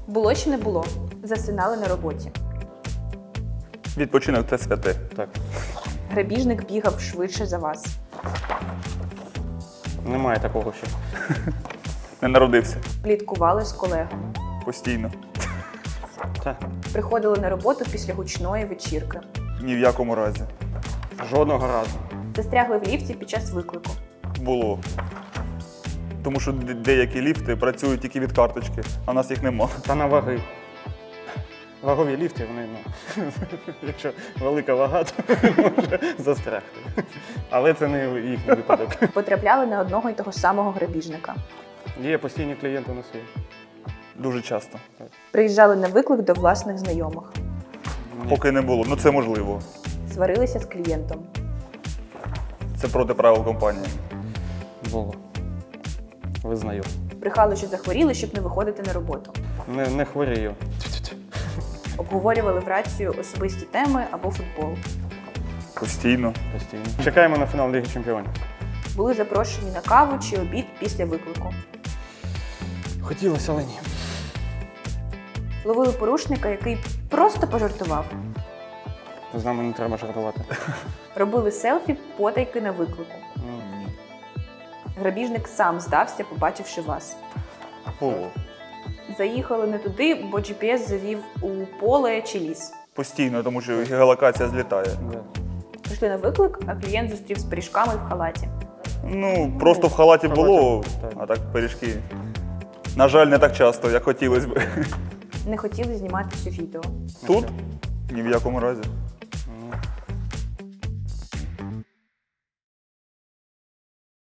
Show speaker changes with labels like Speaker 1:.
Speaker 1: Було чи не було? Засинали на роботі.
Speaker 2: Відпочинок – це святе.
Speaker 3: Так.
Speaker 1: Грабіжник бігав швидше за вас.
Speaker 3: Немає такого ще.
Speaker 2: Не народився.
Speaker 1: Пліткували з колегами.
Speaker 2: Постійно.
Speaker 3: Так.
Speaker 1: Приходили на роботу після гучної вечірки.
Speaker 2: Ні в якому разі.
Speaker 3: Жодного разу.
Speaker 1: Застрягли в ліфті під час виклику.
Speaker 2: Було. Тому що деякі ліфти працюють тільки від карточки, а в нас їх нема.
Speaker 3: Та на ваги. Вагові ліфти, вони, якщо велика вага, то може застрягти. Але це не їхній випадок.
Speaker 1: Потрапляли на одного й того самого грабіжника.
Speaker 3: Є постійні клієнти у нас є.
Speaker 2: Дуже часто.
Speaker 1: Приїжджали на виклик до власних знайомих.
Speaker 2: Поки не було. Ну це можливо.
Speaker 1: Сварилися з клієнтом.
Speaker 2: Це проти правил компанії.
Speaker 3: Було. Визнаю.
Speaker 1: Брехали, що захворіли, щоб не виходити на роботу.
Speaker 3: Не хворію.
Speaker 1: Обговорювали в рацію особисті теми або футбол.
Speaker 2: Постійно.
Speaker 3: Постійно. Чекаємо на фінал Ліги Чемпіонів.
Speaker 1: Були запрошені на каву чи обід після виклику.
Speaker 3: Хотілося, але ні.
Speaker 1: Ловили порушника, який просто пожартував.
Speaker 3: З нами не треба жартувати.
Speaker 1: Робили селфі потайки на виклику. Грабіжник сам здався, побачивши вас.
Speaker 2: Було.
Speaker 1: Заїхали не туди, бо GPS завів у поле чи ліс.
Speaker 2: Постійно, тому що геолокація злітає.
Speaker 3: Да.
Speaker 1: Прийшли на виклик, а клієнт зустрів з пиріжками в халаті.
Speaker 2: Ну, просто в халаті було,
Speaker 3: так.
Speaker 2: а так пиріжки. На жаль, не так часто, як хотілося б.
Speaker 1: Не хотіли знімати все відео.
Speaker 2: Тут? Ні в якому разі.